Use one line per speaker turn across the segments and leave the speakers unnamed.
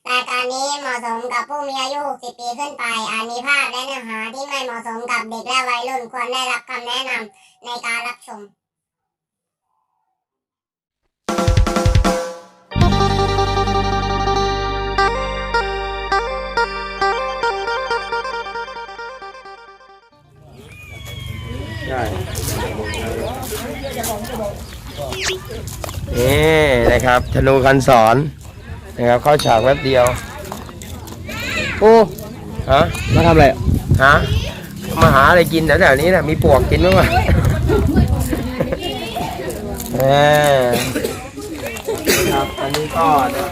รายการนี้เหมาะสมกับผู้มีอายุ 60 ปีขึ้นไปอาจมีภาพและเนื้อหาที่ไม่เหมาะสมกับเด็กและวัยรุ่นควรได้รับคำแนะนำในการรับชม
นี่นะครับธนูคันสอนนะครับเข้าฉากแป๊บเดียวโอ้ฮะมาทำอะไรฮะมาหาอะไรกินแถวๆนี้นะมีปวกกินบ้างไหมครับอันนี้ก็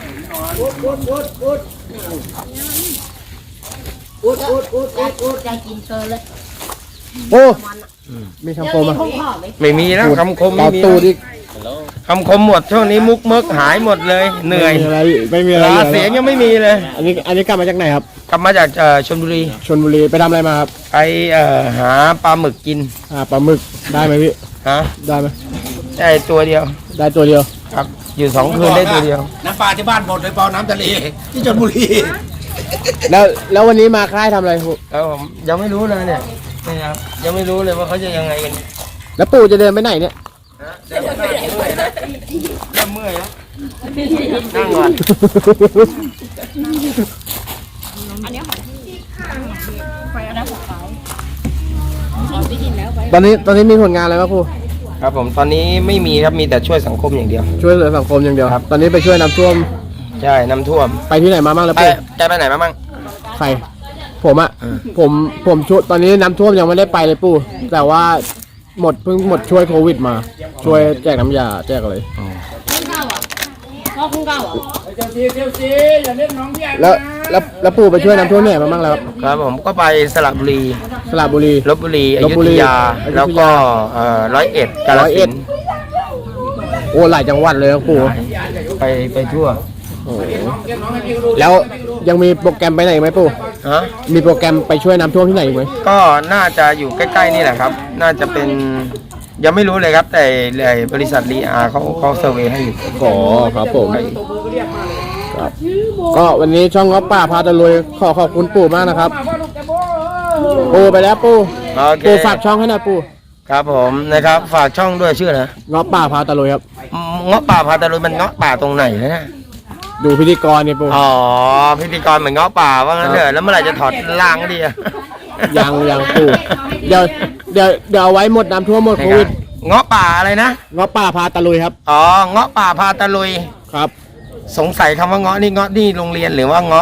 จะกินเธอเลย
โอ้มีคำคมอ่ะ
ไม่มีแล้วคำคม
ตอ
ไม่
บ
มี
ตูดิ
คำคมหมดช่วงนี้มุกเมิกหายหมดเลยเหนื่อย
ไม่มีอะไร
เสียงยังไม่มีเลย
อันนี้กลับมาจากไหนครับ
กลับมาจากชลบุรี
ชลบุรีไปทำอะไรมาครับ
ไปหาปลาหมึกกิน
ปลาหมึกได้ไหมพี่
ฮะ
ได้ไหม
ได้ตัวเดียว
ได้ตัวเดียว
ครับอยู่2 คืนได้ตัวเดียว
น้ำปลาที่บ้านหมดเลยเปล่าน้ำทะเลที่ชลบุรี
แล้ววันนี้มาค่ายทำอะไรปู่
แล้วผมยังไม่รู้เลยเนี่ยนะครับยังไม่รู้เลยว่าเขาจะยังไงกัน
แล้วปู่จะเดินไปไหนเนี่ย
เริ่มเมื่อยแล้วนั่งก่อน
ตอนนี้มีผลงานอะไรบ้างปู่
ครับผมตอนนี้ไม่มีครับมีแต่ช่วยสังคมอย่างเดียว
ช่วยเหลือสังคมอย่างเดียวครับตอนนี้ไปช่วยน้ำท่วม
ใช่น้ำท่วม
ไปที่ไหนมาบ้างแล้ว
ไป
ปู่
ไปไหนมาบ้าง
ใครผมอ่ะผมช่วยตอนนี้น้ำท่วมยังไม่ได้ไปเลยปู่แต่ว่าเพิ่งหมดช่วยโควิดมา ช่วยแจกน้ำยาแจกอะไร
พ่อคุณเก่าอ่ะ
แล้วปู่ไปช่วยน้ำท่วมเนี่ยมาบ้างแล้วครับ
ครับผมก็ไปสระบุรี
สระบุรี
ลบบุรีอ
ลพ
ยุ
บุ
ธ
รี
ยา
อยุธยา
แล้วก็ร้อยเอ็ดกาฬสินธุ์
โอ้หลายจังหวัดเลยครับปู่
ไปทั่ว
โอ้โหแล้วยังมีโปรแกรมไปไหนอีกไหมปู่
ฮะ
มีโปรแกรมไปช่วยน้ำท่วมที่ไหนอีกไหม
ก็น่าจะอยู่ใกล้ๆนี่แหละครับ น่าจะเป็นยังไม่รู้เลยครับแต่บริษัทรีอาร์เขาเซอร์เวย์ให้อยู่
อ๋อครับผมครับก็วันนี้ช่องง้อป่าพาตะลุยขอบคุณปู่มากนะครับปู่ไปแล้วปู่
โอเค
ปู่ฝากช่องให้หน่อยปู่
ครับผมนะครับฝากช่องด้วยชื่อนะ
ง้อป่าพาตะลุยครับ
เงาะป่าพาตะลุยมันเงาะป่าตรงไหนนะ
ดูพิธีกรเนี่ยปู่
อ๋อพิธีกรเหมือนเงาะป่าว่างั้นเถอะแล้วเมื่อไหร่จะถอดล่างดีอะ
ยังปู่เดี๋ยวเอาไว้หมดน้ำท่วมหมดโควิด
เงาะป่าอะไรนะ
ง้อป่าพาตะลุยครับ
อ๋อเงาะป่าพาตะลุย
ครับ
สงสัยคำว่าเงาะนี่โรงเรียนหรือว่าเงาะ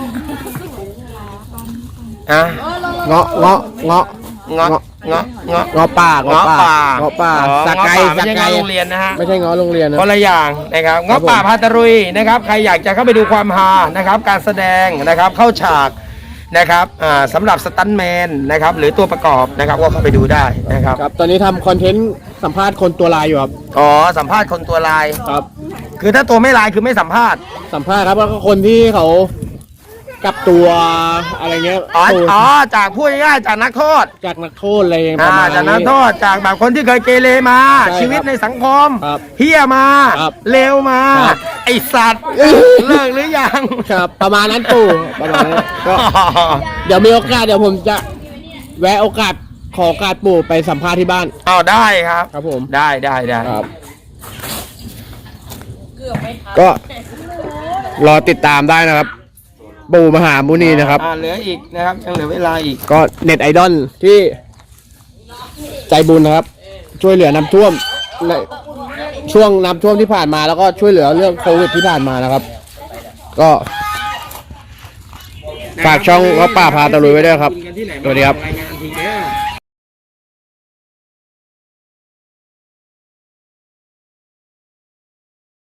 อะ
เงาะ
เงาะเงาะ
เงาะป่า
เงาะป่า
เงาะป่า
อ๋อ
สักไก่
เงาะป่าไม่ใช่เงาะโรงเรียนนะฮะ
ไม่ใช่เงาะโรงเรียนนะ
คนละอย่างนะครับเงาะป่าพาตะลุยนะครับใครอยากจะเข้าไปดูความฮานะครับการแสดงนะครับเข้าฉากนะครับสำหรับสตันท์แมนนะครับหรือตัวประกอบนะครับก็เข้าไปดูได้นะครับ
ครับตอนนี้ทำคอนเทนต์สัมภาษณ์คนตัวลายอยู่ครับ
อ๋อสัมภาษณ์คนตัวลาย
ครับ
คือถ้าตัวไม่ลายคือไม่สัมภาษณ์
สัมภาษณ์ครับแล้วก็คนที่เขากลับตัวอะไรเงี้ย
อ๋อจากพูดง่ายๆจากนักโทษ
จากนักโทษอะไรประมาณ
จากนั
นี้
กโทษจากแบบคนที่เคยเกเรมา
ใช่ครับ
ชีวิตในสังคม
ครับ
เฮี้ยมา
ครับ
เลวมา
ครับ
ไอสัตว์เลิกหรือยัง
ครับประมาณนั้นปู่ประมาณนั้นก็เดี๋ยวมีโอกาสเดี๋ยวผมจะแวะโอกาสขอโอกาสปู่ไปสัมภาษณ์ที่บ้าน
เอาได้ครับ
ครับผม
ได้
ครับก็รอติดตามได้นะครับ ปู่มหามุนีนะครับ
เหลืออีกนะครับยังเหลือเวลาอีก
ก็เน็ตไอดอลที่ใจบุญนะครับ ช่วยเหลือน้ำท่วมในช่วงน้ำท่วมที่ผ่านมาแล้วก็ช่วยเหลือเรื่องโควิดที่ผ่านมานะครับ ก็ฝากช่องง้อป่าพาตะลุยไว้ด้วยครับสวัสดีครับ